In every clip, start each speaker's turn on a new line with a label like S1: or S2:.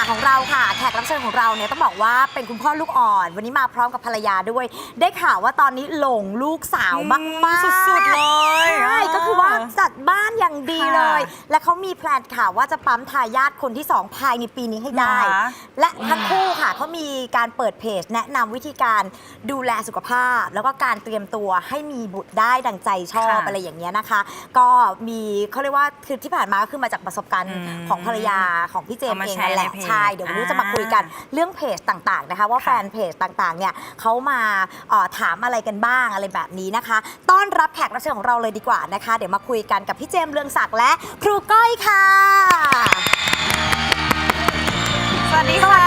S1: ของเราค่ะแขกรับเชิญของเราเนี่ยต้องบอกว่าเป็นคุณพ่อลูกอ่อนวันนี้มาพร้อมกับภรรยาด้วยได้ข่าวว่าตอนนี้หลงลูกสาวมากๆ
S2: สุดๆเลย
S1: ใช่ก็คือว่าจัดบ้านอย่างดีเลย และเขามีแพลนข่าวว่าจะปั๊มทายาทคนที่2ภายในปีนี้ให้ได้และทั้งคู่ค่ะเขามีการเปิดเพจแนะนำวิธีการดูแลสุขภาพแล้วก็การเตรียมตัวให้มีบุตรได้ดังใจชอบอะไรอย่างเงี้ยนะคะก็มีเขาเรียกว่าคือที่ผ่านมาก็คือมาจากประสบการณ์ของภรรยาของพี่เจมส์เองนั่นแหละใช่เดี๋ยววันนี้จะมาคุยกันเรื่องเพจต่างๆนะคะว่าแฟนเพจต่างๆเนี่ยเขามาถามอะไรกันบ้างอะไรแบบนี้นะคะต้อนรับแขกรับเชิญของเราเลยดีกว่านะคะเดี๋ยวมาคุยกันกับพี่เจมส์เรืองศักดิ์และครูก้อยค่ะ
S2: สวัสดีค่ะ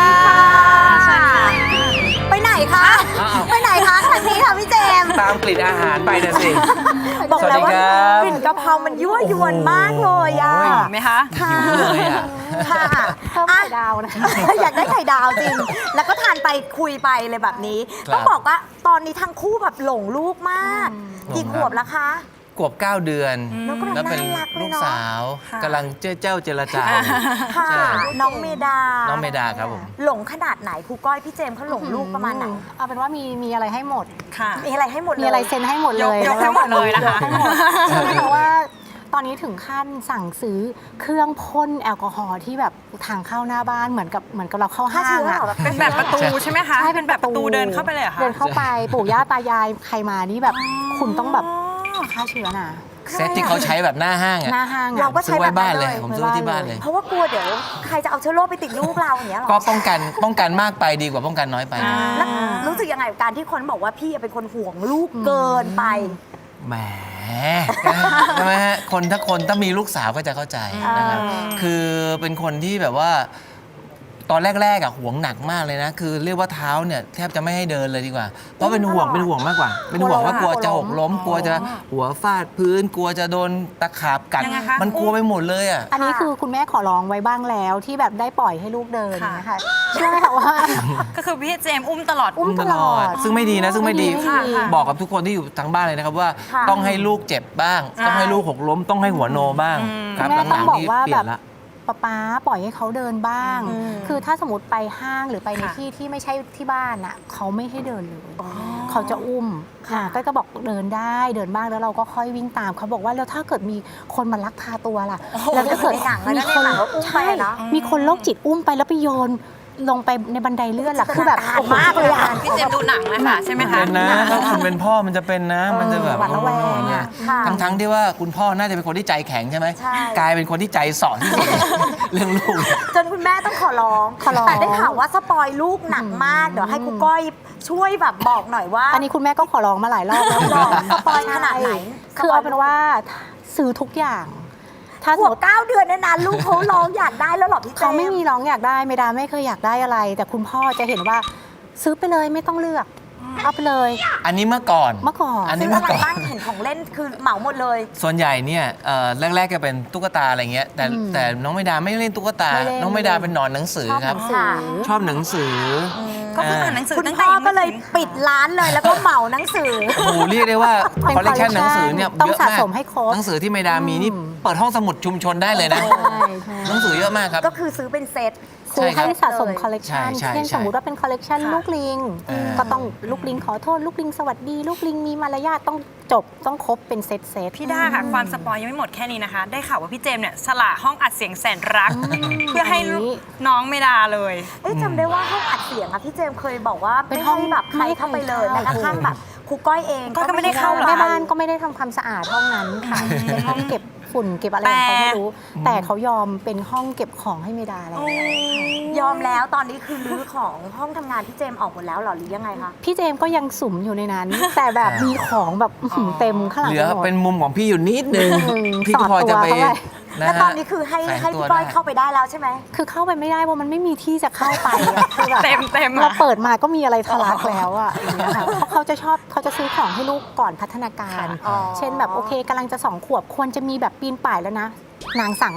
S1: ไปไหนคะไปไหนคะครั้งนี้ค่ะพี่เจมส์
S3: ตามกลิ่นอาหารไปนะสิ
S1: บอกแล้วว่ากลิ่นกะเพรามันยั่วยวนมากเลยอ่ะ
S2: ไหมคะ
S1: ค่ะ
S3: เลยอ่ะ
S1: ค่ะ
S4: เพิ่มไข่ดาวนะ
S1: อยากได้ไข่ดาวจริงแล้วก็ทานไปคุยไปเลยแบบนี้ต้องบอกว่าตอนนี้ทั้งคู่แบบหลงลูกมากกี่ขวบแล้วคะ
S3: ขวบ9 เดือนแล้วเป็นลูกสาวกำลังเจ้าเจรจา
S1: ค่ะน้องเมดา
S3: ครับผม
S1: หลงขนาดไหนครูก้อยพี่เจมส์เขาหลงลูกประมาณไหน
S4: เอาเป็นว่ามีอะไรให้หมด
S2: ค่ะ
S1: มีอะไรให้หมด
S4: มีอะไรเซ็นให้หมดเลย
S2: ยกให้หมดเลยนะคะ
S4: เพราะว่าตอนนี้ถึงขั้นสั่งซื้อเครื่องพ่นแอลกอฮอล์ที่แบบทางเข้าหน้าบ้านเหมือนกับเราเข้าห้างอะ
S2: เป็นแบบประตูใช่ไหมคะ
S4: ใช่เป็นแบบประตู
S2: เดินเข้าไปเลยค่ะ
S4: เดินเข้าไปปู่ย่าตายายใครมานี่แบบคุณต้องแบบฆ่าเชื้อน่ะ
S3: เซตที่เขาใช้แบบหน้าห้างอ่ะ
S1: เราก็ใช้แบบ
S3: บ้านเลยผมซื้อที่บ้านเลย
S1: เพราะว่ากลัวเดี๋ยวใครจะเอาเชื้อโรคไปติดลูกเราอย่างเงี้ยหรอ
S3: ก็ป้องกันมากไปดีกว่าป้องกันน้อยไป
S1: แล้วรู้สึกยังไงกับการที่คนบอกว่าพี่เป็นคนห่วงลูกเกินไป
S3: แหมใช่ไหมฮะถ้ามีลูกสาวก็จะเข้าใจนะครับคือเป็นคนที่แบบว่าตอนแรกๆห่วงหนักมากเลยนะคือเรียกว่าเท้าเนี่ยแทบจะไม่ให้เดินเลยดีกว่าเพราะเป็นห่วงมากกว่าเป็นห่วงว่ากลัวจะหกล้มกลัวจะหัวฟาดพื้นกลัวจะโดนตะขาบกัดมันกลัวไปหมดเลยอ่ะ
S4: อันนี้คือคุณแม่ขอร้องไว้บ้างแล้วที่แบบได้ปล่อยให้ลูกเดินนะคะเชื่อไหมคะว่า
S2: ก็คือพี่เจมส์อุ้มตลอด
S3: ซึ่งไม่ดีนะซึ่งไม่ดีบอกกับทุกคนที่อยู่ทางบ้านเลยนะครับว่าต้องให้ลูกเจ็บบ้างต้องให้ลูกหกล้มต้องให้หัวโนบ้าง
S4: ครับแม่ต้องบอกว่าแบบป๊าปล่อยให้เขาเดินบ้างคือถ้าสมมติไปห้างหรือไปในที่ไม่ใช่ที่บ้านน่ะเขาไม่ให้เดินเลยเขาจะอุ้มก็บอกเดินได้เดินบ้างแล้วเราก็ค่อยวิ่งตามเขาบอกว่าแล้วถ้าเกิดมีคนมาลักพาตัวล่ะแล้วถ้าเกิดมีคนโรคจิตอุ้มไปแล้วไปโยนลงไปในบันไดเลื่อนล่ะคือแบบ
S1: มากเลยอ่ะ
S2: พี่เจมดูหนังนะคะใช่ไหมคะ
S3: เป็นนะถ้าคุณเป็นพ่อมันจะเป็นนะมันจะแบบทั้งที่ว่าคุณพ่อน่าจะเป็นคนที่ใจแข็งใช่ไหมกลายเป็นคนที่ใจสอนที่สุดเรื่องลูก
S1: จนคุณแม่ต้องขอร้องแต่ได้ข่าวว่าสปอยลูกหนักมากเดี๋ยวให้ครูก้อยช่วยแบบบอกหน่อยว่า
S4: อันนี้คุณแม่ก็ขอร้องมาหลายรอบแล้ว
S1: สปอยขนาดไหน
S4: คือเอาเป็นว่าซื้อทุกอย่าง
S1: ถ้าขวบ9 เดือนเนี่ยนะลูกเขาร้องอยากได้แล้วหรอพี่เจมส์
S4: เขาไม่มีร้องอยากได้ไม่ได้ไม่เคยอยากได้อะไรแต่คุณพ่อจะเห็นว่าซื้อไปเลยไม่ต้องเลือกเอาไปเลย
S3: อันนี้เมื่อก่อน
S1: อันนี้เมื่อก่อนบ้างเห็นของเล่นคือเหมาหมดเลย
S3: ส่วนใหญ่เนี่ยแรกๆก็เป็นตุ๊กตาอะไรเงี้ยแต่น้องไม่ดาไม่เล่นตุ๊กตาน้องไม่ดาเป็นหนอนหนังสือครับชอบหนังสือ
S2: ก็คืออ่านหนังสือ
S1: คุณพ่อก็เลยปิดร้านเลยแล้วก็เหมาหนังสือ
S3: โอ้โหเรียกได้ว่าคอลเลคชันหนังสือเนี่ย
S4: ต้องสะสมให้ครบ
S3: หนังสือที่ไม่ดามีนี่เปิดห้องสมุดชุมชนได้เลยนะหนังสือเยอะมากครับ
S1: ก็คือซื้อเป็นเซต
S4: ซื้อให้สะสมคอลเลกชันเช่นสมมติว่าเป็นคอลเลกชันลูกลิงก็ต้องลูกลิงขอโทษลูกลิงสวัสดีลูกลิงมีมารยาทต้องจบต้องครบเป็นเซต
S2: พี่ด้าค่ะความสปอยยังไม่หมดแค่นี้นะคะได้ข่าวว่าพี่เจมส์เนี่ยสละห้องอัดเสียงแสนรักเพื่อให้น้องเมดาเลย
S1: จำได้ว่าห้องอัดเสียงอะพี่เจมส์เคยบอกว่าไม่ให้แบบใครเข้าไปเลยแม้กระทั่งแบบครูก้อยเอง
S2: ก็ไม่ได้เข้า
S4: แม่บ้านก็ไม่ได้ทำความสะอาดห้องนั้นค่ะเป็นห้องเก็บฝุ่นเก็บอะไรของเขาไม่รู้แต่เขายอมเป็นห้องเก็บของให้เมดาแล้ว
S1: ยอมแล้วตอนนี้คือรื้อของห้องทำงานพี่เจมส์ออกหมดแล้วหรอหรือยังไงคะ
S4: พี่เจมส์ก็ยังสุมอยู่ในนั้นแต่แบบมีของแบบเต็มข้างหลัง
S3: เหลือเป็นมุมของพี่อยู่นิดนึงพี่ก็พอจะไป
S1: แล้วตอนนี้คือให้พี่ก้อยเข้าไปได้แล้วใช่ไหม
S4: คือเข้าไปไม่ได้เพราะมันไม่มีที่จะเข้าไปคือแบบ
S2: เต็ม
S4: เราเปิดมาก็มีอะไรทะลักแล้วอ่ะเพราะเขาจะซื้อของให้ลูกก่อนพัฒนาการเช่นแบบโอเคกำลังจะ2 ขวบควรจะมีแบบปีนป่ายแล้วนะนางสั่งแล้ว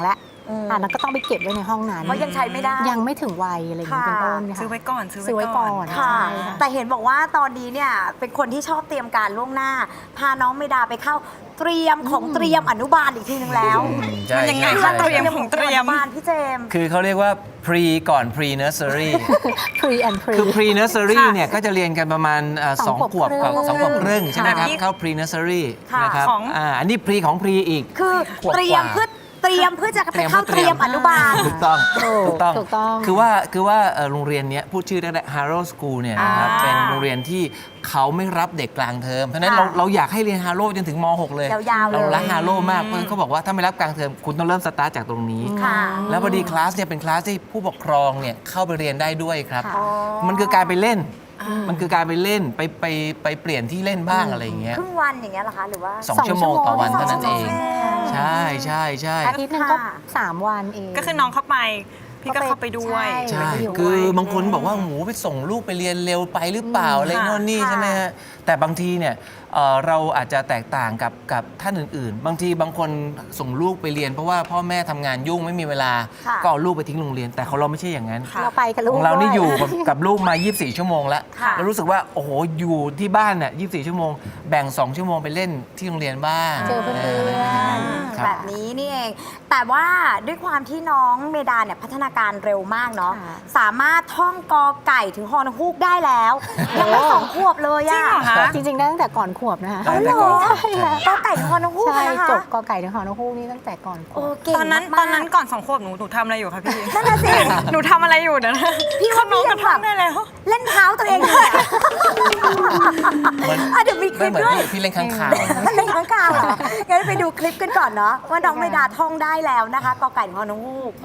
S4: แล้วก็ต้องไปเก็บไว้ในห้องนั้น
S1: เพราะยังใช้ไม่ได้
S4: ยังไม่ถึงวัยอะไรอย่างนี้เป็นต้นค่ะ
S2: ซื้อไว้ก่อน
S4: ซื้อไว้ก่อน
S1: ค่ะ
S4: ใช่ค่ะ
S1: แต่เห็นบอกว่าตอนนี้เนี่ยเป็นคนที่ชอบเตรียมการล่วงหน้า พาน้องเมดาไปเข้าเตรียมของเตรียมอนุบาลอีกทีนึงแล้ว
S3: ใช่
S2: มันยังไง
S3: ใช่
S2: คะเตรียม
S3: ใช่
S2: ของเตรียม
S1: อนุบาลพี่เจมส์
S3: คือเขาเรียกว่า pre ก่อน pre nursery
S4: pre and pre
S3: คือ pre nursery
S2: ค่ะ
S3: เนี่ยก็จะเรียนกันประมาณ
S4: สอง
S3: 2 ขวบ
S4: ขวบ
S3: กับ
S4: ครึ่ง
S3: สองขวบครึ่งใช่ไหมครับ
S2: ค่ะ
S3: เข้า pre nursery
S1: ค่ะ
S3: นะครับ
S2: ของ
S3: อันนี้ pre ของ pre อีก
S1: คือ
S3: ขวบ
S1: เตรียม
S3: กว่า
S1: เพื่อจะไปเข้าเตรียมอนุบาล
S3: ถูกต้อง
S4: ถูกต้อง
S3: คือว่าโรงเรียนเนี้ยพูดชื่อได้ Harrow School เนี่ยนะครับ
S1: อ่า
S3: เป็นโรงเรียนที่เขาไม่รับเด็กกลางเทอมเพราะฉะนั้น
S1: ค่ะ
S3: เราอยากให้เรียน Harrow จนถึงม .6 เลย
S1: ยาวๆเลย
S3: เรารัก Harrow มากเพราะฉะนั้นเขาบอกว่าถ้าไม่รับกลางเทอมคุณต้องเริ่มสตาร์ทจากตรงนี้
S1: ค่ะ
S3: แล้วพอดีคลาสเนี่ยเป็นคลาสที่ผู้ปกครองเนี่ยเข้าไปเรียนได้ด้วยครับ
S4: ค่ะ
S3: มันคือการไปเล่น มันคือการไปเล่นไปเปลี่ยนที่เล่นบ้างอะไรอย่างเงี้ย
S1: ครึ่งวันอย่างเงี้ยเหรอคะหรือว่า
S3: 2 ชั่วโมงต่อวันเท่านั้นเอง
S1: 2
S3: ใช่ใช่ใช่
S4: อาทิตย์หนึงก็
S1: ค่ะ
S4: 3 วันเอง
S2: ก็คือน้องเข้าไป พี่ก็เข้าไปด้วย
S4: ใช่
S3: ใช่
S4: อยู่
S3: คือ
S4: ด้วย
S3: บางคนบอกว่าหมูไปส่งลูกไปเรียนเร็วไปหรือเปล่าอะไร
S2: ค่ะ
S3: โน่นนี่
S1: ค่ะ
S3: ใช่ไหมฮะ แต่บางทีเนี่ยเราอาจจะแตกต่างกับท่านอื่นๆ บางทีบางคนส่งลูกไปเรียนเพราะว่าพ่อแม่ทำงานยุ่งไม่มีเวลา
S1: ค่ะ
S3: ก็เอาลูกไปทิ้งโรงเรียน แต่ของเราไม่ใช่อย่างนั้น
S2: ค่ะ
S4: เราไปกับลูก
S3: ของเรานี่
S4: ด้ว
S3: อยู่กับลูกมา 24 ชั่วโมงแล้ว
S1: ค่ะ
S3: แล้วรู้สึกว่าโอ้โหอยู่ที่บ้านเนี่ย24 ชั่วโมง แบ่ง 2 ชั่วโมงไปเล่นที่โรงเรียนบ้าง
S4: เจอเพื่อนๆ
S3: ครับ
S1: แบบนี้นี่เอง แต่ว่าด้วยความที่น้องเมดาเนี่ยพัฒนาการเร็วมากเนาะ
S4: ค่ะ
S1: สามารถท่องกอไก่ถึงฮอนฮูกได้แล้ว ยังไม่2 ขวบเลย
S2: จริง
S1: อะ
S2: เหรอคะ
S4: จริงๆได้ตั้งแต่ก่อนขวบนะคะ
S3: ได้แต่ก่อน
S1: ใช่ค่ะกอไก่ถึงฮอนฮูก
S4: ใช่
S1: นะคะ
S4: จบกอไก่ถึงหอนกฮูกนี่ตั้งแต่ก่อนขว
S1: โอ้
S4: บ
S1: เก่ง
S2: ตอนนั้น
S1: มากๆ
S2: ตอนนั้นก่อน2 ขวบหนูทำอะไรอยู่คะพี่
S1: นั่นน่ะสิ
S2: หนูทำอะไรอยู่เดี๋ยวนะ
S1: พี่ว่า
S2: น้อง
S1: พี่
S2: ก
S1: ยั
S2: ระ
S1: ง
S2: ท่อ
S1: แบบ
S2: งได้แล้ว
S1: เล่นเท้าตัวเองอยู่อะ
S3: เหมือน
S1: อ่ะเดี๋ยวมีค
S3: ไม่
S1: ลิป
S3: เหมือน
S1: ด้วย
S3: พี่เล่นข้างข่าว
S1: เล่นข้างกาวเหรองั้นไปดูคลิปกันก่อนเนาะว่าน้องเมดาท่องได้แล้วนะคะกอไก่ถึงฮอนฮูก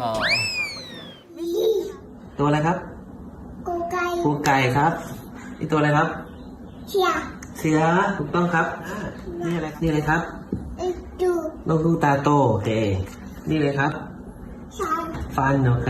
S3: ตัวอะไรครับ
S5: กูไก่
S3: ปูไก่ครับนี่ตัวอะไรครับ
S5: เขีย
S3: เสือถูกต้องครับนี่อะไรครับ
S5: ดู
S3: นกลูกตาโตโอเคนี่เลยครับ
S5: ฉัน
S3: ฟันโอเค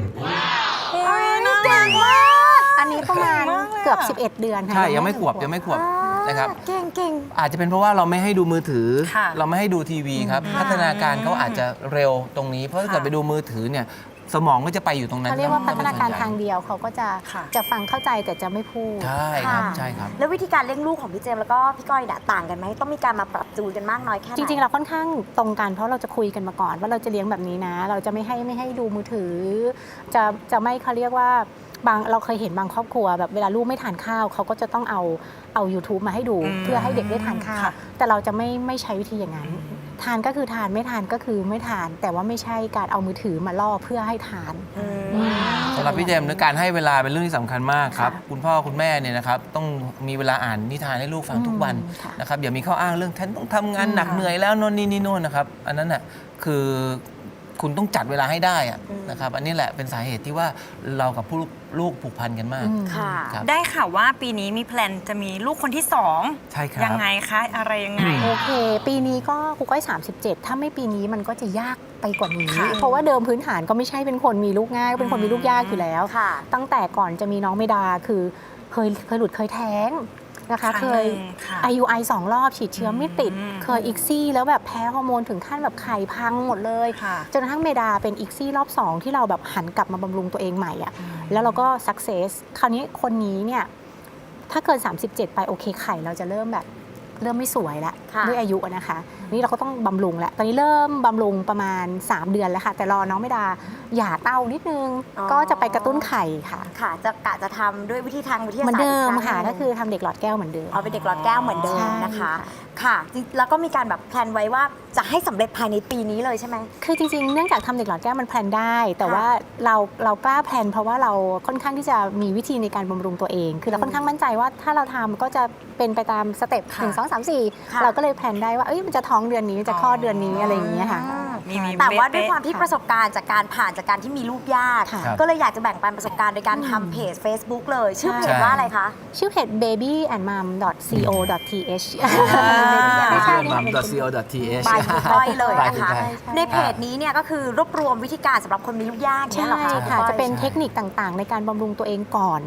S1: เก่งมาก
S4: อันนี้ประมาณ
S2: เก่งมากเลยอะ
S4: เกือบ 11 เดือนค่ะ
S3: ใช่ยังไม่ขวบนะครับ
S1: เก่งเก่ง
S3: อาจจะเป็นเพราะว่าเราไม่ให้ดูมือถือ
S2: ค่ะ
S3: เราไม่ให้ดูทีวีครับ พัฒนาการเขาอาจจะเร็วตรงนี้ เพราะถ้าเกิดไปดูมือถือเนี่ยสมองก็จะไปอยู่ตรงนั้น
S4: เขาเรียกว่าพัฒนาการทาง
S3: เดียว
S4: เดียวเขาก็จะ
S2: ค่ะ
S4: จะฟังเข้าใจแต่จะไม่พูด
S3: ใช่ครับ
S1: ค่ะ
S3: ใช่ครับ
S1: แล้ววิธีการเลี้ยงลูกของพี่เจมส์แล้วก็พี่ก้อยเนี่ยต่างกันไหมต้องมีการมาปรับจูนกันมากน้อยแค่ไหน
S4: จริงๆ เราค่อนข้างตรงกันเพราะเราจะคุยกันมาก่อน ว่าเราจะเลี้ยงแบบนี้นะ เราจะไม่ให้ดูมือถือ จะไม่เขาเรียกว่าเราเคยเห็นบางครอบครัวแบบเวลาลูกไม่ทานข้าวเขาก็จะต้องเอา YouTube มาให้ดู เพื่อให้เด็กได้ทานข้าว
S2: ค่ะ
S4: แต่เราจะไม่ใช้วิธีอย่างนั้น ทานก็คือทานไม่ทานก็คือไม่ทาน แต่ว่าไม่ใช่การเอามือถือมาล่อเพื่อให้ทาน
S3: สำหรับพี่เจมส์การให้เวลาเป็นเรื่องที่สำคัญมากครับ
S4: ค่ะ
S3: คุณพ่อคุณแม่เนี่ยนะครับต้องมีเวลาอ่านนิทานให้ลูกฟังทุกวัน
S4: ค่ะ
S3: นะครับอย่ามีข้ออ้างเรื่องฉันต้องทำงานหนักเหนื่อยแล้วโน่นนี่โน่นนะครับอันนั้นน่ะคือคุณต้องจัดเวลาให้ได้อะนะครับอันนี้แหละเป็นสาเหตุที่ว่าเรากับผู้ลูกผูกพันกันมาก
S1: ค่ะ
S3: ครับ
S2: ได้ข่าวว่าปีนี้มีแพลนจะมีลูกคนที่ 2
S3: ใช่ครับ
S2: ยังไงคะ อะไรยังไง
S4: โอเค ปีนี้ก็ครูก้อย37 ถ้าไม่ปีนี้มันก็จะยากไปกว่านี้
S2: ค่ะ
S4: เพราะว่าเดิมพื้นฐานก็ไม่ใช่เป็นคนมีลูกง่าย เป็นคนมีลูกยากอยู่แล้ว
S1: ค่ะ
S4: ตั้งแต่ก่อนจะมีน้องเมดาคือเคยหลุดเคยแท้งนะคะ
S2: ครั้ง
S4: เค
S2: ห
S4: ย
S2: นึ่งค่ะ
S4: IUI 2 รอบฉีดเชื้อไม่ติด
S2: อืม
S4: เคยอีกซี่แล้วแบบแพ้ฮอร์โมนถึงขั้นแบบไข่พังหมดเลย
S2: ค่ะ
S4: จนกระทั่งเมดาเป็นอีกซี่รอบ 2 ที่เราแบบหันกลับมาบำรุงตัวเองใหม่อะแล้วเราก็สักเซสคราวนี้คนนี้เนี่ยถ้าเกิน 37 ไปโอเคไข่เราจะเริ่มไม่สวยแล้ว
S1: ค่ะ
S4: ด้วยอายุอะนะคะนี่เราก็ต้องบำรุงแล้วตอนนี้เริ่มบำรุงประมาณ 3 เดือนแล้วค่ะ แต่รอน้องเมดาหย่าเต้านิดนึง ก็จะไปกระตุ้นไข่ค่ะ
S1: ค่ะจะทำด้วยวิธีทางวิทยา
S4: เหมือน
S1: ศาสตร์
S4: เดิม
S1: อีก
S4: ค่ะ
S1: รั้งห
S4: ก็
S1: นึ่ง
S4: คือทำเด็กหลอดแก้วเหมือนเดิม
S1: เอาเป็นเด็กหลอดแก้วเหมือนเดิม
S4: ใช่
S1: นะคะ
S4: ค่ะ
S1: ค่ะจริงแล้วก็มีการแบบแพลนไว้ว่าจะให้สำเร็จภายในปีนี้เลยใช่ไหม
S4: คือจริงๆ เนื่องจากทำเด็กหลอดแก้วมันแพลนได้ แต่
S1: ค่ะ
S4: ว่าเรากล้าแพลนเพราะว่าเราค่อนข้างที่จะมีวิธีในการบำรุงตัวเอง คือเราค่อนข้างมั่นใจว่าถ้าเราทำก็จะเป็นไปตามสเต็ป
S2: ค่ะ
S4: 1 2 3
S1: ค่ะ
S4: 4 เราก็เลยแพลนได้ว่าเอ้ยมันจะท้องเดือนนี้มันจะคลอดเดือนนี้อะไรอย่างเงี้ยค่ะ
S2: มี
S1: แต่ว่าด้วย
S2: เป๊ะๆ
S1: ความที่ประสบการณ์จากการผ่านจากการที่มีลูกยาก
S4: ค่ะ
S1: ก็เลยอยากจะแบ่งปันประสบการณ์โดยการทำเพจ Facebook เลย ชื่อเพจว่าอะไรคะ
S4: ชื่อเพจ babyandmom.co.th
S3: ไม่ใช่
S4: ค่ะ
S3: mam.co.th
S1: บายคุณก้อยเลยนะคะ
S3: ใช่
S1: ในเพจนี้เนี่ยก็คือรวบรวมวิธีการสำหรับคนมีลูกยากเนี่ย
S4: ใช่
S1: เหรอคะ
S4: ค่ะ
S1: ก้อย
S4: จะเป็นเทคนิคต่างๆ ในการบำรุงตัวเองก่อน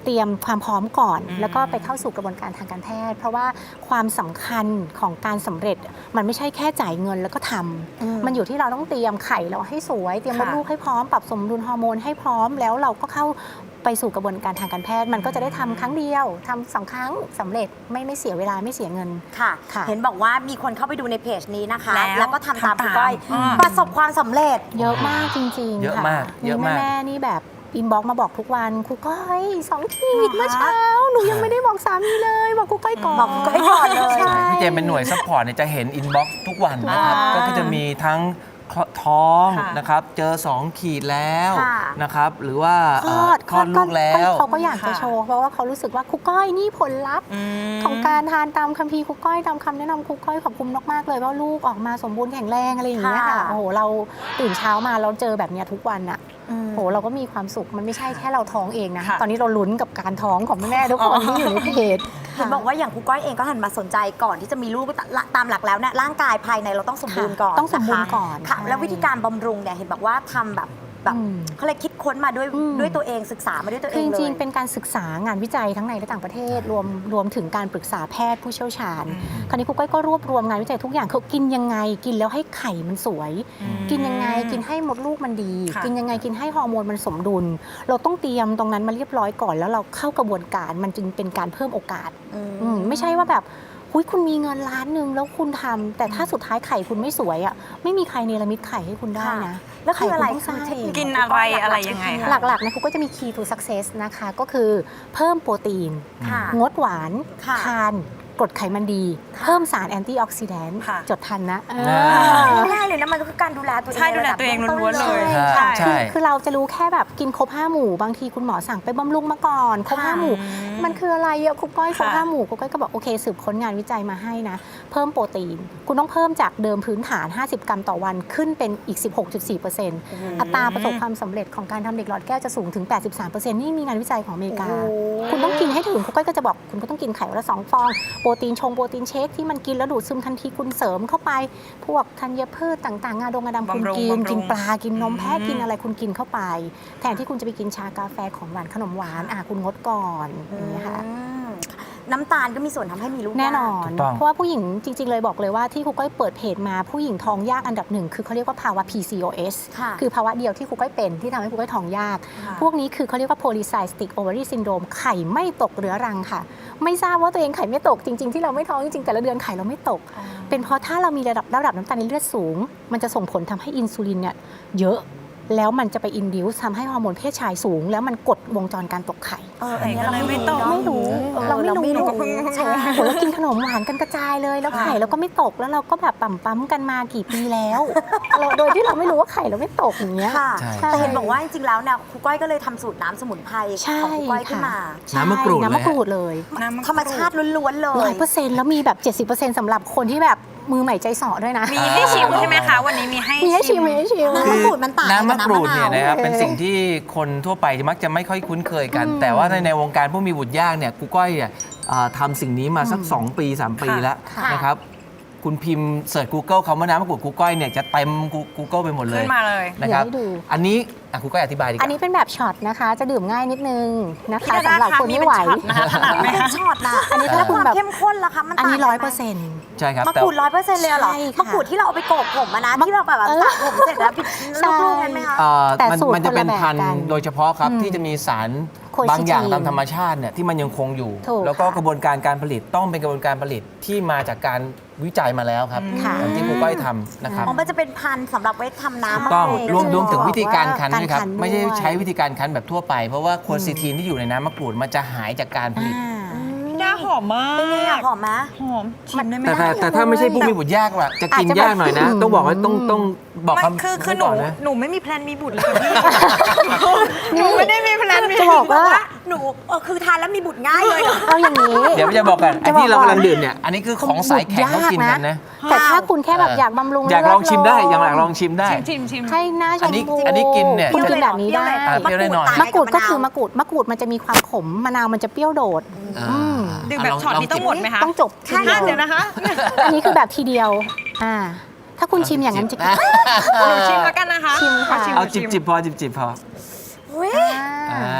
S4: เตรียมความพร้อมก่อน แล้วก็ไปเข้าสู่กระบวนการทางการแพทย์ เพราะว่าความสำคัญของการสำเร็จมันไม่ใช่แค่จ่ายเงินแล้วก็ทำมันอยู่ที่เราต้องเตรียมไข่เราให้สวยเตรียมมดลูกให้พร้อมปรับสมดุลฮอร์โมนให้พร้อมแล้วเราก็เข้าไปสู่กระบวนการทางการแพทย์มันก็จะได้ทำครั้งเดียวทำ2 ครั้งสำเร็จไม่เสียเวลาไม่เสียเงิน
S1: ค่ะ
S4: ค่ะ
S1: เห็นบอกว่ามีคนเข้าไปดูในเพจนี้นะคะ
S2: แล้ว
S1: แล้วก็ทำตาม
S2: ทำตาม
S1: คุณก้อย
S2: อืม
S1: ประสบความสำเร็จ
S4: เยอะมากจริงๆ
S3: เยอะ
S4: ค่ะ
S3: มากเยอะมาก
S4: แม่ๆนี่แบบอินบ็อกมาบอกทุกวันครูก้อย2 ขีดเมื่อเช้าหนูยังไม่ได้บอกสามีเลยบอกครูก้อยก่อน
S1: บอกครูก้อยก่อนเลย
S4: ใช่
S3: พี่เจมเป็นหน่วยซัพพอร์ตเนี่ยจะเห็นอินบ็อกซ์ทุกวันนะครับ
S1: ว้าว
S3: ก็จะมีทั้งท้อง
S2: ค่ะ
S3: นะครับ เจอ 2 ขีดแล้ว
S1: ค่ะ
S3: นะครับ หรือว่า
S4: คลอด
S3: ลูกแล้ว
S4: เขาก็อยากจะ
S2: ค่ะ
S4: โชว์เพราะว่าเขารู้สึกว่าครูก้อยนี่ผลลัพธ์ ของการทานตามคัมภีร์ครูก้อยตามคำแนะนำครูก้อยขอบคุณมากๆเลยว่าลูกออกมาสมบูรณ์แข็งแรงอะไรอย่างเงี้ยค่ะ
S1: ค่ะ
S4: โอ้โหเราตื่นเช้ามาเราเจอแบบเนี้ยทุกวันอะ
S1: อืม
S4: โอ้โหเราก็มีความสุขมันไม่ใช่แค่เราท้องเองนะ
S2: ค่ะ
S4: ตอนนี้เราลุ้นกับการท้องของแม่ๆทุกคนที่อยู่ในเพจ
S1: เห็นบอกว่าอย่างครูก้อยเองก็หันมาสนใจก่อนที่จะมีลูกตามหลักแล้วเนี่ยร่างกายภายในเราต้องสมบูรณ์ก่อน
S4: ต้องสมบูรณ์
S1: นะคะ
S4: ก่อน
S1: ค่ะ
S4: ใช่
S1: แล้ววิธีการบำรุงเนี่ยเห็นบอกว่าทำแบบเขาเลยคิดค้นมาด้วยตัวเองศึกษามาด้วยตัวเอ
S4: คือง จ
S1: เลย
S4: ริงๆเป็นการศึกษางานวิจัยทั้งในและต่างประเทศรวมถึงการปรึกษาแพทย์ผู้เชี่ยวชาญ คราวนี้ครูก้อยก็รวบรวมงานวิจัยทุกอย่างเขากินยังไงกินแล้วให้ไข่มันสวย กินยังไงกินให้มดลูกมันดี
S2: ค่ะ
S4: กินยังไงกินให้ฮอร์โมนมันสมดุล เราต้องเตรียมตรงนั้นมาเรียบร้อยก่อน แล้วเราเข้ากระบวนการมันจึงเป็นการเพิ่มโอกาส ไม่ใช่ว่าแบบหุยคุณมีเงินล้านหนึ่งแล้วคุณทำแต่ถ้าสุดท้ายไข่คุณไม่สวยอ่ะไม่มีใครเนรมิตไข่ให้คุณได้นะ
S1: แล้วคืออะไร
S4: ไข่ณต้งสร้าง
S1: คือเทคนิค
S2: กินอะไรยังไงคะ
S4: หลักๆนะครูก็จะมี key to success นะคะก็คือเพิ่มโปรตีน
S1: ค่ะ
S4: งดหวาน
S1: ค่ะ
S4: ทานกรดไขมันดี เพิ่มสารแอนตี้ออกซิแดนต์
S2: ค่ะ
S4: จดทันนะ
S1: ง่ายเลยนะมันก็คือการดูแลตัวเอง
S2: ใช่ดูแลตัวเองล้วนๆเลย
S3: ใช่
S4: คือเราจะรู้แค่แบบกินครบ5 หมู่บางทีคุณหมอสั่งไปบำรุงมาก่อนครบ5 หมู่ มันคืออะไรอะครูก้อยครบ
S2: ค่ะ
S4: 5 หมู่ครูก้อยก็บอกโอเคสืบค้นงานวิจัยมาให้นะเพิ่มโปรตีน คุณต้องเพิ่มจากเดิมพื้นฐาน 50 กรัมต่อวันขึ้นเป็นอีก 16.4%อัตราประสบความสำเร็จของการทำเด็กหลอดแก้วจะสูงถึง 83%นี่มีงานวิจัยของอเมริกา คุณต้องกินให้ถึงครูก้อยก็จะบอกคุณก็ต้องกินไข่วันละ2 ฟองโปรตีนเชคที่มันกินแล้วดูดซึมทันทีคุณเสริมเข้าไป พวกธัญพืชต่างๆงาดงงาดำคุณ
S2: บำรุง
S4: กิน
S2: บำรุง
S4: กินปลากินนมแพะกินอะไรคุณกินเข้าไป แทนที่คุณจะไปกินชากาแฟของหวานขนมหวานคุณงดก่อนอย่างนี้ยค่ะ
S1: น้ำตาลก็มีส่วนทำให้มีลูก
S4: แน่นอน
S3: ถูกต้อง
S4: เพราะว่าผู้หญิงจริง ๆ เลยบอกเลยว่าที่ครูก้อยเปิดเพจมาผู้หญิงท้องยากอันดับหนึ่งคือเขาเรียกว่าภาวะ PCOS
S1: ค่ะ
S4: คือภาวะเดียวที่ครูก้อยเป็นที่ทำให้ครูก้อยท้องยาก
S2: ค่ะ
S4: พวกนี้คือเขาเรียกว่า polycystic ovary syndrome ไข่ไม่ตกเรื้อรังค่ะ ไม่ทราบว่าตัวเองไข่ไม่ตกจริง ๆ ที่เราไม่ท้องจริงๆแต่ละเดือนไข่เราไม่ตก เป็นเพราะถ้าเรามีระดับน้ำตาลในเลือดสูง มันจะส่งผลทำให้อินซูลินเนี่ยเยอะแล้วมันจะไปอินดิวทำให้ฮอร์โมนเพศชายสูง แล้วมันกดวงจรการตกไข่
S1: อันนี้เรา
S2: ไข่ก็เลยไม่ตก
S4: ไม่รู้เราไม่รู้
S2: หนูก็เพิ่ง
S4: ใช่โหเรากินขนมหวานกันกระจายเลย แล้วไข่เราก็ไม่ตกแล้วเราก็แบบปั๊มกันมากี่ปีแล้วโดยที่เราไม่รู้ว่าไข่เราไม่ตกอย่างเงี้ย
S1: ค่ะ
S3: ใช่
S1: แต่เห็นบอกว่าจริงๆแล้วเนี่ยครูก้อยก็เลยทำสูตรน้ำสมุนไพร
S4: ใช่
S1: ของครูก้อยขึ้นมา
S4: ใช่
S3: น้ำมะกรูดเลย
S4: น้ำมะกรูดเลย
S2: น้ำมะกรูด
S1: ธรรมชาติล้วนๆเลย
S4: 100%แล้วมีแบบ 70%สำหรับคนที่แบบมือใหม่ใจเสอด้วยนะ
S2: มีให้ชิมใช่ไหมคะ วันนี้มีให้
S4: มีให้ชิมมีให้ชิม
S1: น้ำมะกรูดมันต่างกับ
S3: น้ำมะกรูดเนี่ยนะครับ
S1: น้ำมะนาว
S3: เป็นสิ่งที่คนทั่วไปมักจะไม่ค่อยคุ้นเคยกัน แต่ว่าในวงการผู้มีบุตรยากเนี่ยครูก้อยเนี่ยทำสิ่งนี้มาสัก 2 ปี 3 ปีแล้ว
S1: ค่ะ
S3: นะครับคุณพิมพ์เสิร์ช Google คำว่าน้ำมะกรูดครูก้อยเนี่ยจะเต็ม Google ไปหมดเลย
S2: ขึ้นมาเลย
S3: นะครับ
S4: เดี๋ยวให้ดู
S3: อันนี้ครูก้อยอธิบายดีก
S4: อัน
S3: ว่า
S4: นี้เป็นแบบช็อตนะคะ จะดื่มง่ายนิดนึงนะคะ
S2: พี่ดา
S4: สำหรับ
S2: คะ
S4: คน
S2: มี
S4: ไม่
S2: เป็น
S4: ไหว
S2: ช็อตนะคะถนัดไหม
S1: ไม่ใช่
S2: คะ
S1: ช็อตนะ
S4: อันนี้ถ้าคุณแบบ
S1: เข้มข้นล่ะคะมัน
S4: อัน
S1: ต่าง
S4: นี้
S1: กัไหม
S4: 100%
S3: ใช่ครับ
S1: มะ
S3: แต่
S1: กรูด100%เลยเหรอ
S4: ใช่ค่ะ
S1: มะกรูดที่เราเอาไปโกกผมอะนะที่เราแบบว่าสระผมเสร็จแล้ว
S4: ใช่
S1: ลูกๆนั้นไหมคะ
S4: แต่
S3: มัน
S4: สูตร
S3: มันจะเป็น
S4: คนละแบบ
S3: พัน
S4: กั
S3: ธุ์
S4: น
S3: โดยเฉพาะครับ ที่จะมีสาร
S4: Quercetin
S3: บางอย่างตามธรรมชาติเนี่ยที่มันยังคงอยู่
S4: ถูก
S3: แล้วก็
S4: ค่ะ
S3: กระบวนการการผลิตต้องเป็นกระบวนการผลิตที่มาจากการวิจัยมาแล้วครับ
S4: ค่ะ
S3: อย่างที่ครูก้อยทำนะครับ
S1: อ๋อมันจะเป็นพันธุ์สำหรับไว้ทำน้ำมะ
S3: ต้อง
S1: กรูด
S3: รวมถึง
S4: บอก
S3: วิธีการคั้น
S4: ว่า
S3: ด้วยครับ
S4: การคั้น
S3: ไม่ใช่
S4: ด้วย
S3: ใช้วิธีการคั้นแบบทั่วไป เพราะว่าโคซิทีนที่อยู่ในน้ำมะกรูดมันจะหายจากการผลิต
S2: น่าหอมมาก
S1: เป็นไงอะหอมไหม
S2: หอมชิมได้ไหม
S3: แต่ถ้าไม่ใช่ผู้มีบุตรยากล่ะจะกิน
S4: อาจจะ
S3: ยากหน่อยนะ ต้องบอกว่าต้องบอก
S2: ไม่
S3: คำ
S2: คือห
S3: ก่
S2: นู
S3: อนนะ
S2: หนูไม่มีแพลนมีบุตรเลยค่ะพี่หนูไม่ได้มีแพลนมี
S4: จะบอกว่า
S1: หนูคือทานแล้วมีบุตรง่ายเลยเหรอ
S4: เอาอย่างนี้
S3: เดี๋ยวจะบอกกันไอ้
S4: จะบอก
S3: ที่เรา
S4: ก่อน
S3: กำลังดื่มเนี่ยอันนี้คือของสายแข็งเขากินกันนะ
S4: แต่ถ้าคุณแค่แบบอยากบำรุง
S3: อยากลองชิมได้
S4: เลื
S3: อยาก
S4: โ
S3: ลองชิมได้
S2: ชิม
S4: ให้หน้าช
S3: อั
S4: ม
S3: นนี้
S4: พู
S3: อันนี้กินเนี่ย
S4: คุณกินแบบนี้ได้
S3: เปรี้ยวได้หน่อย
S4: มะกรูดก็คือมะกรูดมันจะมีความขมมะนาวมันจะเปรี้ยวโดด
S2: ดื่มแบบช็อตนี้ต้องหมดไหมคะ
S4: ต้องจบทีเดียว
S2: เดี๋ยวนะคะ
S4: อันนี้คือแบบทีเดียวถ้าคุณชิมอย่างนั้นจะ
S2: หนูชิมแล้วกันนะคะ
S4: ชิมค่ะ
S3: เอาจิบพอจิบพอ
S1: เฮ้ย
S3: อ่า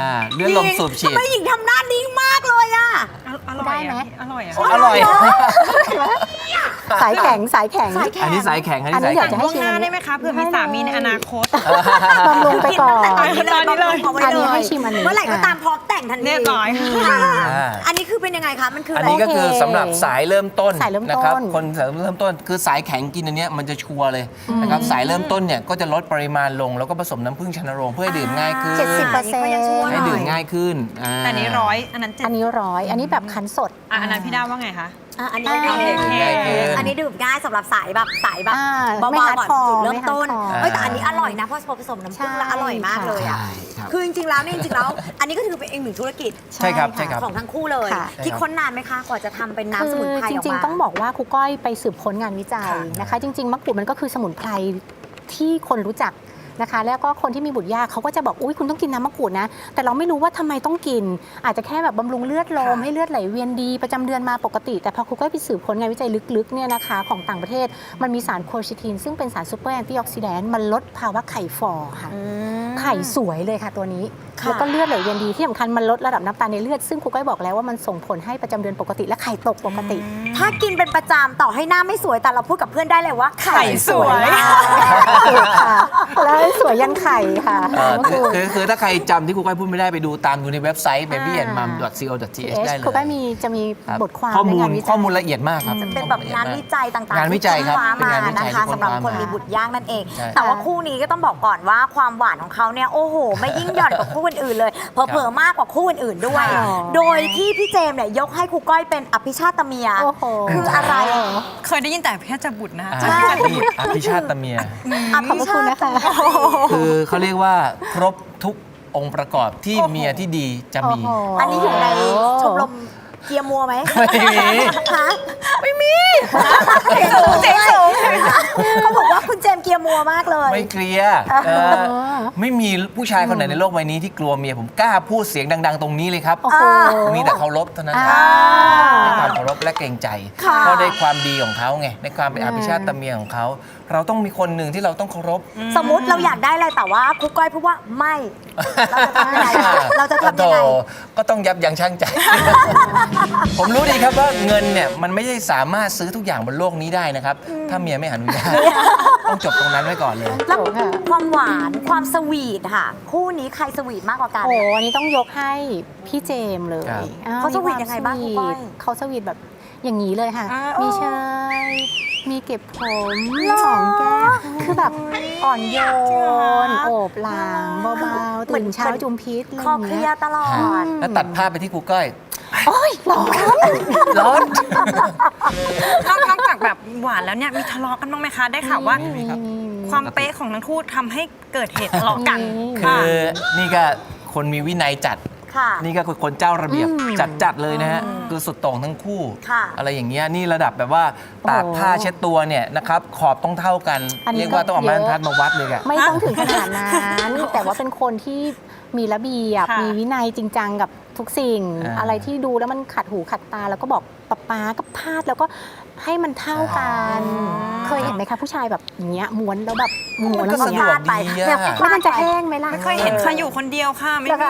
S3: เลือดลมสูบฉีด
S1: ทำไมหญิงทำหน้านิ่งมากเลยอะ
S2: อร่อย
S4: ได้ไหม
S2: อร่อยอ่ะ
S3: อร่อย
S4: สายแข็งสายแข็ง
S3: อันนี้สายแข็ง อัน
S4: อั
S3: นี้
S4: นนี้
S3: สาย
S4: อยาก
S3: แข็
S4: จะ
S3: ง
S4: ให้
S2: ล่วงหน้าได้ไหมคะเผื่อมีสามีในอนาคต
S4: บำรุงไปก่อน
S1: ตอนนี้เลย
S2: ตอนนี้เลย
S1: บำรุงเอาไว้
S4: อันนี้
S1: เลย
S4: ให้ชิมอันนี้
S1: เมื่อไหร่ก็ตามพร้อมแต่งทันที
S2: เรียบร้อย
S3: อ่า
S1: อันนี้คือเป็นยังไงคะมันคือ
S3: อั
S1: อะ
S3: น
S1: ไร
S3: นี้ก็คือสำหรับสายเริ่มต้น
S4: สายเริ่มต้น
S3: นะครับคนสายเริ่มต้นคือสายแข็งกินอันเนี้ยมันจะชัวร์เลยนะครับสายเริ่มต้นเนี่ยก็จะลดปริมาณลงแล้วก็ผสมน้ำผึ้งชนโรงเพื่อให้ดื่มง่ายขึ้น
S4: 70%
S1: ก็ยังชั่วห
S3: ให้
S1: น่
S3: ดื่
S1: อ
S3: ม
S1: ย
S3: ง่ายขึ้น
S2: แต่อันนี้ร้อยอันนั้นเจ็ด
S4: อันนี้100 อันนี้แบบคั้นสด
S2: อันนั้นพี่ด้าว่าไงคะ
S1: อันนี้
S4: อ่า
S1: ดื่ม
S3: ง่ายขึ้น
S1: อันนี้ดื่มง่ายสำหรับสายแบบเบา
S4: ไม่
S1: ๆ
S4: ฮาร์ด
S1: ก่อน
S4: คอร์
S1: จุดเริ่มต้น
S4: ไม่ฮาร์ดคอร์
S1: เฮ้ยแต่อันนี้อร่อยนะเพราะผสมน้ำผึ้งแล้วอร่อยมากเลยอ่ะ
S3: ใช่ครับ
S1: คือจริงๆแล้วเนี่ยจริงๆแล้ว อันนี้ก็ถือเป็นอีกหนึ่งธุรกิจ
S3: ใช่ครับใช่ครับ
S1: ของทั้งคู่เลย
S4: ค่ะ
S1: คิดค้นนานไหมคะกว่าจะทำเป็นน้ำสมุนไพรออกมา
S4: จริงๆ ต้องบอกว่าครูก้อยไปสืบค้นงานวิจัยนะคะ จริง ๆ มะกรูดมันก็คือสมุนไพรที่คนรู้จักนะคะ แล้วก็คนที่มีบุตรยากเขาก็จะบอกอุ้ยคุณต้องกินน้ำมะกรูดนะ แต่เราไม่รู้ว่าทำไมต้องกิน อาจจะแค่แบบบำรุงเลือดลมให้เลือดไหลเวียนดีประจำเดือนมาปกติ แต่พอครูก้อยไปสืบค้นงานวิจัยลึกๆเนี่ยนะคะของต่างประเทศมันมีสารโคชิทินซึ่งเป็นสารซูเปอร์แอนตี้ออกซิแดนต์มันลดภาวะไข่ฟอค่ะ ไข่สวยเลยค่ะตัวนี้
S1: ค่ะ
S4: แล้วก็เลือดไหลเวียนดีที่สำคัญมันลดระดับน้ำตาลในเลือดซึ่งครูก้อยบอกแล้วว่ามันส่งผลให้ประจำเดือนปกติและไข่ตกปกติ
S1: ถ้ากินเป็นประจำต่อให้หน้าไม่สวยแต่เราพูดกับเพื่อนได้เลยว่าไข่
S2: ไข่สวย
S1: มาก
S4: ถูกค่ะแล้วสวยยันไข่ค่ะ
S3: คือถ้าใครจำที่ครูก้อยพูดไม่ได้ไปดูตามดูในเว็บไซต์ babyandmom.co.th ได้เลย
S4: ครูก้อยจะมี
S3: ครับ
S4: บทความ
S3: ข้อมู
S4: ใน
S3: ล
S4: งานวิจัย
S3: ข้อมูลละเอียดมากครับ
S1: เป็นแบบงานวิจัยต่างๆ
S3: งานวิจัยครับ
S1: ที่
S3: เป็นงานวิ
S1: ค้
S3: จัย
S1: นะคะ
S3: ที่
S1: สำหรับ
S3: ค้น
S1: คน
S3: มามี
S1: มีบุตรยากนั่นเอง
S3: ใช่
S1: แต่ว่าคู่นี้ก็ต้องบอกก่อนว่าความหวานของเขาเนี่ยโอ้โห ไม่ยิ่งหย่อนกว่าคู่อื่นๆเลยเผลอๆมากกว่าคู่อื่นๆด้วย
S4: ค่ะ
S1: โดยที่พี่เจมส์เนี่ยยกให้ครูก้อยเป็นอภิชาตเมีย
S4: โอ้โห
S1: คืออะไร
S2: เคยได้ยินแต่แค่จะบุตรนะคะ
S3: อ่า
S1: ใช่
S3: อภิชาตเมีย
S1: อ
S4: ขอบ
S1: ภิ
S4: พระ
S1: ชา
S4: คุณ
S1: ต
S4: นะคะ
S3: คือเขาเรียกว่าครบทุกองค์ประกอบที่เมียที่ดีจะมี
S4: โอ้โห
S1: อันนี้อยู่ในชมรมเกียร์มัวไหม
S3: ไม่มี
S1: ฮะไม่มีเสียงสูงเขาบอกว่าคุณเจมส์เกียร์มัวมากเลย
S3: ไม่เคลียร์ไม่มีผู้ชายคนไหนในโลกใบนี้ที่กลัวเมียผมกล้าพูดเสียงดัง ๆ ตรงนี้เลยครับ
S4: โอ้โห
S3: มีแต่เคารพเท่านั้น
S4: อ่า
S3: ในความเคารพและเกรงใจ
S1: ค่ะ
S3: เพราะในความดีของเขาไงในความเป็นอภิชาตเมียของเขา เราต้องมีคนหนึ่งที่เราต้องเคารพ
S1: สมมุติเราอยากได้อะไรแต่ว่าครูก้อยพูดว่าไม่ เราจะทำยังไงเราจะทำยังไง
S3: โธ่ก็ต้องยับยั้งชั่งใจ ผมรู้ดีครับว่าเงินเนี่ยมันไม่ได้สามารถซื้อทุกอย่างบนโลกนี้ได้นะครับ ถ้าเมียไม่อนุญาตต้องจบตรงนั้นไว้ก่อนเลย
S1: แล้วความหวานความสวีทค่ะ คู่นี้ใครสวีทมากกว่ากัน
S4: โอ้อันนี้ต้องยกให้พี่เจมส์เลย
S3: ครับ
S4: อ้
S1: เขาสวีท
S4: มีควม
S1: ยังไงบ้าง
S4: ส
S1: ครู
S4: วี
S1: ก้อย
S4: ทเขาสวีทแบบอย่างนี้เลยค่ะ
S2: อ่า
S4: มีเชยมีเก็บผมหอมแก้มคือแบบอ่อนโยน โอบหลังเบาๆตื่นเช้าจุมพิษอะไร
S1: คอ
S4: อย่าง
S1: เคลี
S4: เงี้
S1: ย
S4: ย
S1: ร์ตลอด
S3: แล้วตัดภาพไปที่ครูก้อย
S4: โอ้ยร้อน
S3: ร้อน
S2: นอกจากแบบหวานแล้วเนี่ยมีทะเลาะกันบ้างไหมคะ ได้ข่าวว่า
S3: มีครับ
S2: ความเป๊ะของทั้งคู่ทำให้เกิดเหตุทะเลาะกัน
S3: คือนี่ก็คนมีวินัยจัด
S1: ค่ะ
S3: นี่ก็คนเจ้าระเบียบ
S4: อืม
S3: จัดเลยนะฮะคือสุดโต่งทั้งคู่
S1: ค่ะ
S3: อะไรอย่างเงี้ยนี่ระดับแบบว่าตาก
S4: โอ้
S3: ผ้าเช็ดตัวเนี่ยนะครับขอบต้องเท่ากัน
S4: อันนี้
S3: เรียกว่าต้องเอา
S4: ก็
S3: ไม้
S4: เย
S3: บร
S4: อะ
S3: รทัดมาวัดเลยอะ
S4: ไม่ต้องถึงขนาดนั้น แต่ว่าเป็นคนที่มีระเบียบ
S2: ค่ะ
S4: มีวินัยจริงจังกับทุกสิ่ง
S3: อ่า
S4: อะไรที่ดูแล้วมันขัดหูขัดตา แล้วก็บอกป๊าก็พาดแล้วก็ให้มันเท่ากัน เคยเห็นไหมคะผู้ชายแบบอย่างเงี้ยม้วนแล้วแบบม้วน
S3: ก็
S4: แล้ว
S3: สะ
S4: อย่าง
S3: ด
S4: เงี้
S3: วย กดีอะ
S1: เนี่ย
S4: แล้วมันจะแห้งไหมล่ะ
S2: ไม่เคยเห็นค่ะอยู่คนเดียวค่ะไม่
S4: แล้ว
S2: มี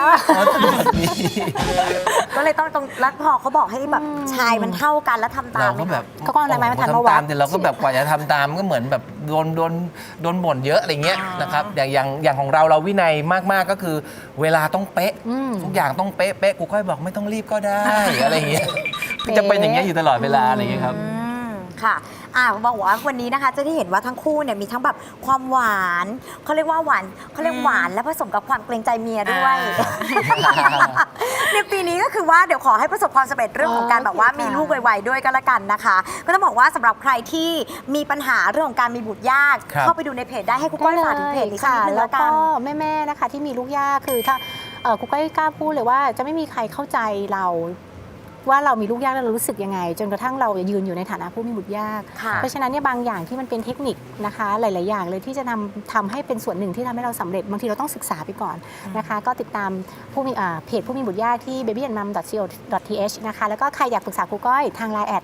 S4: ก็
S1: ก็เลยต้องแล้วพอเขาบอกให้แบบชายมันเท่ากันแล้วทำตา
S3: เรา
S1: มไหม
S3: ก็แบบ
S1: คะ
S4: เขาก็เอาอะไรไม้บรรทัดมา
S3: ทำ
S4: วั
S3: ตา
S4: ด
S3: มแต่เราก็แบบกว่าจะทำตามก็เหมือนแบบโดนบ่นเยอะอะไรเงี้ยนะครับอย่างของเราวินัยมากๆก็คือ เวลาต้องเป๊ะ
S4: อืม
S3: ทุกอย่างต้องเป๊ะกูค่อยบอกไม่ต้องรีบก็ได้ อะไรอย่างเงี้ยจะเป็นอย่างเงี้ยอยู่ตลอดเวลาอะไรอย่างเงี้ยครับ
S1: ค่ะบอกว่าวันนี้นะคะจะได้เห็นว่าทั้งคู่เนี่ยมีทั้งแบบความหวานเขาเรียกว่าหวานเขาเรียกหวานและผสมกับความเกรงใจเมียด้วย ในปีนี้ก็คือว่าเดี๋ยวขอให้ประสบความสำเร็จเรื่องของการแบบว่ามีลูกไวๆด้วยก็แล้วกันนะคะ ก็ต้องบอกว่าสำหรับใครที่มีปัญหาเรื่องของการมีบุตรยาก
S3: ครับ
S1: เข้าไปดูในเพจได้ให้คุณก้อยฝากถึงเพจนี้สัก
S4: ค่ะ
S1: นิดนึง
S4: แล้
S1: แล้ว วกั
S4: ก็
S1: น
S4: แม่ๆนะคะที่มีลูกยากคือถ้าครูก้อยกล้าพูดเลยว่าจะไม่มีใครเข้าใจเราว่าเรามีลูกยากแล้วเรารู้สึกยังไง จนกระทั่งเรายืนอยู่ในฐานะผู้มีบุตรยาก
S1: ค่ะ
S4: เพราะฉะนั้นเนี่ยบางอย่างที่มันเป็นเทคนิคนะคะ หลาย ๆ อย่างเลยที่จะทำให้เป็นส่วนหนึ่งที่ทำให้เราสำเร็จบางทีเราต้องศึกษาไปก่อนนะคะ ก็ติดตามเพจผู้มีบุตรยากที่ babyandmom.co.th นะคะแล้วก็ใครอยากปรึกษาครูก้อยทาง Line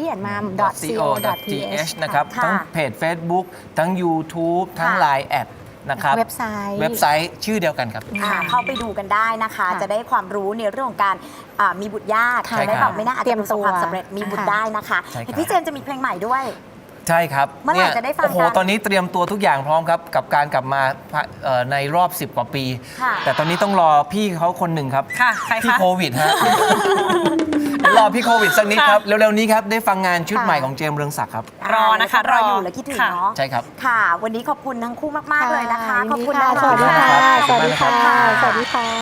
S4: @babyandmom.co.th
S3: นะครับ
S1: ค่ะ
S3: ทั้งเพจ Facebook ทั้ง YouTube ทั้ง
S1: ค่ะ
S3: Line แอดนะครับ
S4: เว็บไซต์
S3: เว็บไซต์ชื่อเดียวกันครับ
S1: เข้าไปดูกันได้นะคะ
S4: ค่ะ
S1: จะได้ความรู้ในเรื่องของการมีบุตรยาก
S4: ค่ะ
S1: จะได้แบบไม่น่าอาจ
S4: เตรี
S1: จะ
S4: ยม
S1: ประสบความ
S4: ตัว
S1: สำเร็จมีบุตร
S4: ค่ะ
S1: ได้นะคะ
S3: ใช่ครับ
S1: เห็นพี่เจมส์จะมีเพลงใหม่ด้วย
S3: ใช่ครับ
S1: เมื่อไหร่จะได้ฟัง
S3: โอ้โห
S1: กัน
S3: ตอนนี้เตรียมตัวทุกอย่างพร้อมครับ กับการกลับมาในรอบ 10 กว่าปี
S1: ค่ะ
S3: แต่ตอนนี้ต้องรอพี่เขาคนหนึ่งครับ
S2: ค่ะใคร
S3: พี่
S2: คะ
S3: โควิดฮะ เดี๋ยวรอพี่โควิดสักนิดครับ เร็วๆนี้ครับ ได้ฟังงานชุด
S4: ค่ะ
S3: ใหม่ของเจมส์เรืองศักดิ์ครับ
S2: รอนะคะ
S1: รออยู่และคิดถึง
S2: ค่ะ
S1: เนาะ
S3: ใช่ครับ
S1: ค่ะ วันนี้ขอบคุณทั้งคู่มาก ๆ เลยนะคะ
S4: ยิน
S1: ขอบ
S4: ดี
S1: คุณ
S4: ค่ะ
S1: นะ
S4: สวัสดีค่ะ
S3: ขอบคุณมากครับ
S4: สวัสดีค่ะ